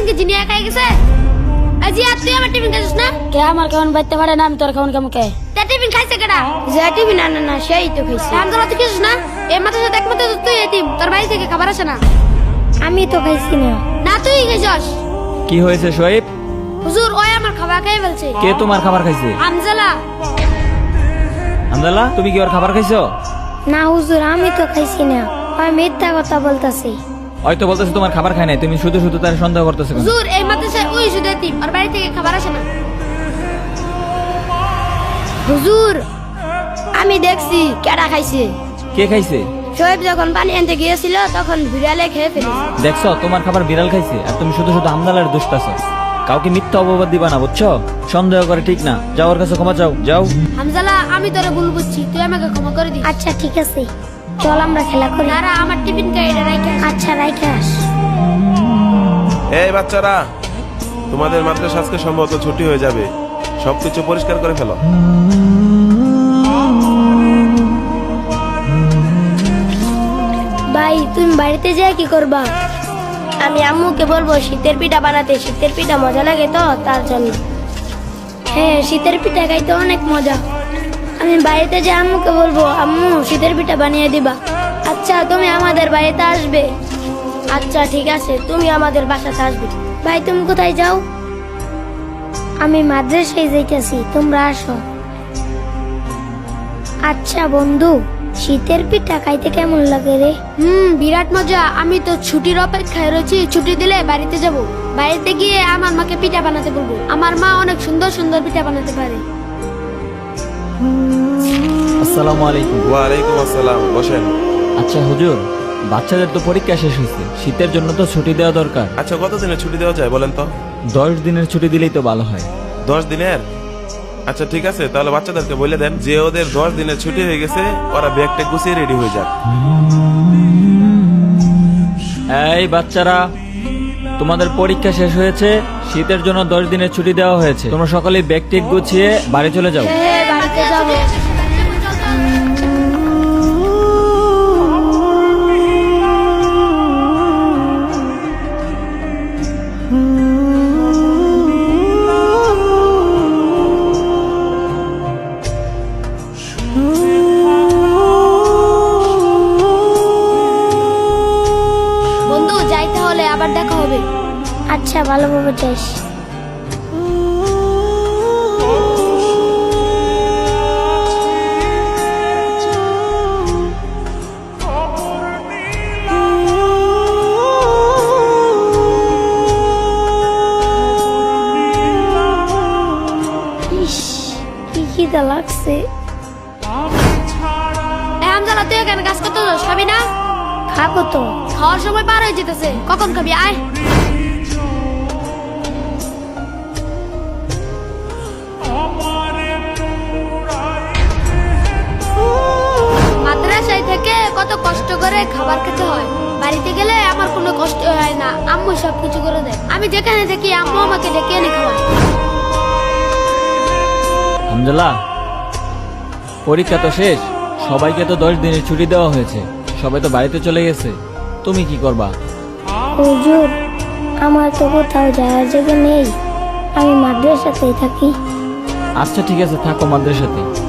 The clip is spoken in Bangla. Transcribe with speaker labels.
Speaker 1: টিফিন কি জিনিয়া খাই গেছে? আজি আর তুই আমার টিফিন খাইছিস না?
Speaker 2: কে আমার খাওয়ান বাইতে পারে না, আমি তোর খাওয়ান কেমন কে?
Speaker 1: তা টিফিন খাইছে কেডা?
Speaker 2: যে টিভি না না না সেই তো খাইছি।
Speaker 1: আমজালা তুই খাইছিস না? এই মাথার সাথে একমাত্র তুই এতিম, তোর বাড়ি থেকে খাবার আসে না।
Speaker 2: আমি তো খাইছি না।
Speaker 1: না তুই খাইছস।
Speaker 3: কি হয়েছে শোয়েব?
Speaker 1: হুজুর ওই আমার খাবার খাই বলছে।
Speaker 3: কে তোমার খাবার খাইছে?
Speaker 1: আমজালা।
Speaker 3: আমদাল্লাহ, তুমি কি ওর খাবার খাইছো?
Speaker 2: না হুজুর, আমি তো খাইছি না, আমি মিথ্যা কথা বলতাছি।
Speaker 3: হয়তো বলতেছে তোমার খাবার খায় নাই, তুমি শুধু শুধু তার সন্দেহ করতেছো কেন?
Speaker 1: হুজুর এই মাদ্রাসায় ওই শুধু এতিম, ওর বাড়ি থেকে খাবার আসে না।
Speaker 2: হুজুর আমি দেখছি কেডা খাইছে।
Speaker 3: কে খাইছে?
Speaker 2: শোয়েব যখন পানি আনতে গিয়েছিল তখন বিড়ালে খেয়ে ফেলেছে।
Speaker 3: দেখছো তোমার খাবার বিড়াল খাইছে, আর তুমি শুধু শুধু আমদালার দুষ্টাছো। কাউকে মিথ্যা অপবাদ দিবা না, বুঝছো? সন্দেহ করে ঠিক না। যাও ওর কাছে ক্ষমা চাও, যাও।
Speaker 1: হামজালা আমি তোরে ভুল বুঝছি, তুই আমাকে ক্ষমা করে দিস।
Speaker 2: আচ্ছা ঠিক আছে, চল আমরা খেলা করি।
Speaker 1: নারা আমার টিফিন খাই এটা রাইখা।
Speaker 2: আচ্ছা রাইখে আস।
Speaker 4: এই বাচ্চারা, তোমাদের মাদ্রাসা আজকে সম্ভবত ছুটি হয়ে যাবে, সবকিছু পরিষ্কার করে ফেলো।
Speaker 2: ভাই তুমি বাড়িতে যেয়ে কি করবা? আমি আম্মুকে বলবো শীতের পিঠা বানাতে, শীতের পিঠা মজা লাগে তো তার জন্য। হ্যাঁ শীতের পিঠা খাইতে অনেক মজা। আমি বাড়িতে যে আম্মুকে বলবো আম্মু শীতের পিঠা বানিয়ে দিবা। আচ্ছা তুমি আমাদের বাড়িতে আসবে? আচ্ছা ঠিক আছে, তুমি আমাদের বাসাতে আসবে। ভাই তুমি কোথায় যাও? আমি মাদ্রাসায় যাইতেছি, তোমরা আসো। আচ্ছা বন্ধু, শীতের পিঠা খাইতে কেমন লাগে রে?
Speaker 1: বিরাট মজা। আমি তো ছুটির অপেক্ষায় রয়েছি, ছুটি দিলে বাড়িতে যাব। বাড়িতে গিয়ে আমার মাকে পিঠা বানাতে বলবো। আমার মা অনেক সুন্দর সুন্দর পিঠা বানাতে পারে।
Speaker 3: আসসালামু আলাইকুম।
Speaker 4: ওয়ালাইকুম আসসালাম, বসেন।
Speaker 3: আচ্ছা হুজুর, বাচ্চাদের তো পরীক্ষা শেষ হয়েছে, শীতের জন্য তো ছুটি দেওয়া দরকার।
Speaker 4: আচ্ছা কতদিনের ছুটি দেওয়া যায় বলেন তো?
Speaker 3: 10 দিনের ছুটি দিলেই তো ভালো হয়।
Speaker 4: 10 দিনের? আচ্ছা ঠিক আছে, তাহলে বাচ্চাদেরকে বলে দেন যে ওদের 10 দিনের ছুটি হয়ে গেছে, ওরা ব্যাগটা গুছিয়ে রেডি হয়ে যাক।
Speaker 3: এই বাচ্চারা, তোমাদের পরীক্ষা শেষ হয়েছে, শীতের জন্য 10 দিনের ছুটি দেওয়া হয়েছে। তোমরা সকলেই ব্যাগ টেক গুছিয়ে বাড়ি চলে যাও।
Speaker 2: হ্যাঁ বাড়িতে যাবো।
Speaker 1: বন্ধু যাই তাহলে, আবার দেখা হবে।
Speaker 2: আচ্ছা ভালোভাবে যাস। ইস, কি খিদা লাগছে।
Speaker 1: হামজালা তুই এখানে কাজ করতে যাস, খাবি না?
Speaker 2: খাবো তো।
Speaker 1: খাওয়ার সময় পার হয়ে যেতেছে, কখন খাবি? আয়। মাদ্রাসায় থেকে কত কষ্ট করে খাবার খেতে হয়, বাড়িতে গেলে আমার কোনো কষ্ট হয় না, আম্মু সবকিছু করে দেয়। আমি যেখানে থাকি আম্মু আমাকে ডেকে এনে খাওয়ায়।
Speaker 3: হামজালা, পরীক্ষা তো শেষ, সবাইকে তো 10 দিনের ছুটি দেওয়া হয়েছে, সবাই তো বাড়িতে চলে গেছে। তুমি কি করবা?
Speaker 2: হুজুর আমার তো কোথাও যাওয়ার জায়গা নেই, আমি মাদ্রাসাতেই থাকি।
Speaker 3: আচ্ছা ঠিক আছে, থাকো মাদ্রাসাতে।